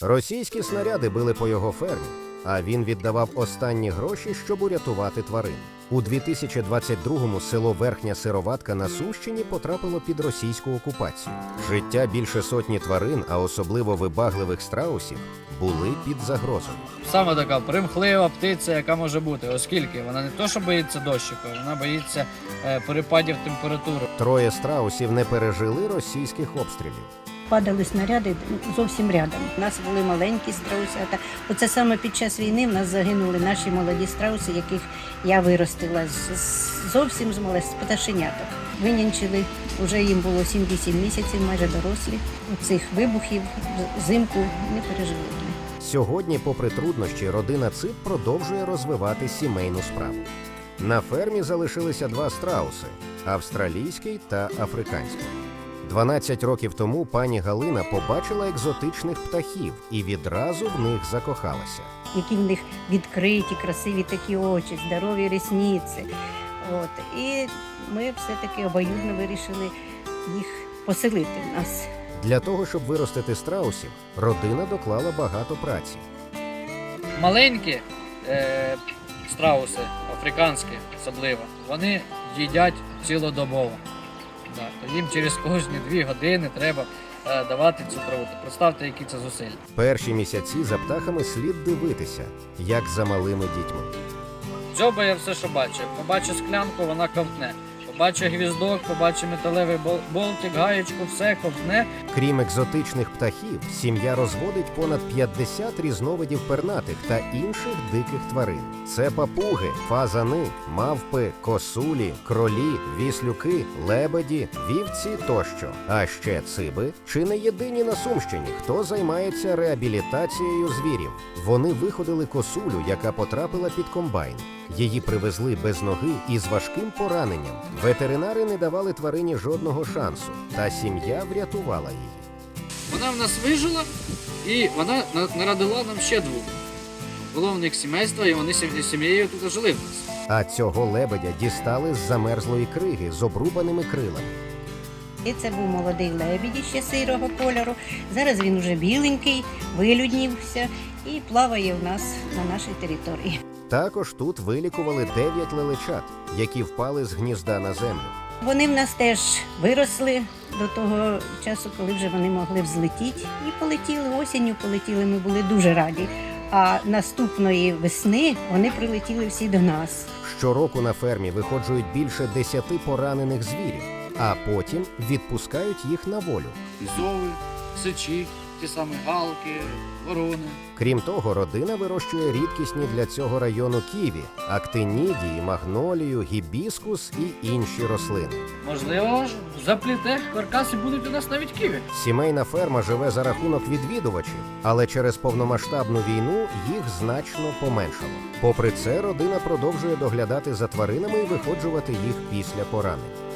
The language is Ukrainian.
Російські снаряди били по його фермі, а він віддавав останні гроші, щоб урятувати тварин. У 2022-му село Верхня Сироватка на Сумщині потрапило під російську окупацію. Життя більше сотні тварин, а особливо вибагливих страусів, були під загрозою. Саме така примхлива птиця, яка може бути, оскільки вона не то, що боїться дощику, вона боїться перепадів температури. Троє страусів не пережили російських обстрілів. Падали снаряди зовсім рядом. У нас були маленькі страусята. Оце саме під час війни в нас загинули наші молоді страуси, яких я виростила зовсім з пташеняток. Винянчили, вже їм було 7-8 місяців, майже дорослі. Цих вибухів взимку не пережили. Сьогодні, попри труднощі, родина Цип продовжує розвивати сімейну справу. На фермі залишилися два страуси – австралійський та африканський. 12 років тому пані Галина побачила екзотичних птахів і відразу в них закохалася. Які в них відкриті, красиві такі очі, здорові рісниці. І ми все-таки обоюдно вирішили їх поселити в нас. Для того, щоб виростити страусів, родина доклала багато праці. Маленькі страуси, африканські особливо, вони їдять цілодобово. То їм через кожні 2 години треба давати цю траву. Представте, які це зусилля. Перші місяці за птахами слід дивитися, як за малими дітьми. Дзьобає все, що бачить. Побачить склянку, вона ковтне. Побачить гвіздок, побачить металевий болтик, гаєчку, все ковтне. Крім екзотичних птахів, сім'я розводить понад 50 різновидів пернатих та інших диких тварин. Це папуги, фазани, мавпи, косулі, кролі, віслюки, лебеді, вівці тощо. А ще циби чи не єдині на Сумщині, хто займається реабілітацією звірів. Вони виходили косулю, яка потрапила під комбайн. Її привезли без ноги і з важким пораненням. Ветеринари не давали тварині жодного шансу, та сім'я врятувала її. Вона в нас вижила, і вона народила нам ще 2. Було в них сімейство, і вони сім'єю тут жили в нас. А цього лебедя дістали з замерзлої криги з обрубаними крилами. І це був молодий лебідь ще сирого кольору. Зараз він уже біленький, вилюднівся і плаває в нас на нашій території. Також тут вилікували 9 лелечат, які впали з гнізда на землю. Вони в нас теж виросли до того часу, коли вже вони могли взлетіти. І полетіли, осінню полетіли, ми були дуже раді. А наступної весни вони прилетіли всі до нас. Щороку на фермі виходжують більше 10 поранених звірів, а потім відпускають їх на волю. Зови, сичі, ті самі галки, ворони. Крім того, родина вирощує рідкісні для цього району ківі, актинідії, магнолію, гібіскус і інші рослини. Можливо, запліте каркас і будуть у нас навіть ківі. Сімейна ферма живе за рахунок відвідувачів, але через повномасштабну війну їх значно поменшало. Попри це, родина продовжує доглядати за тваринами і виходжувати їх після поранень.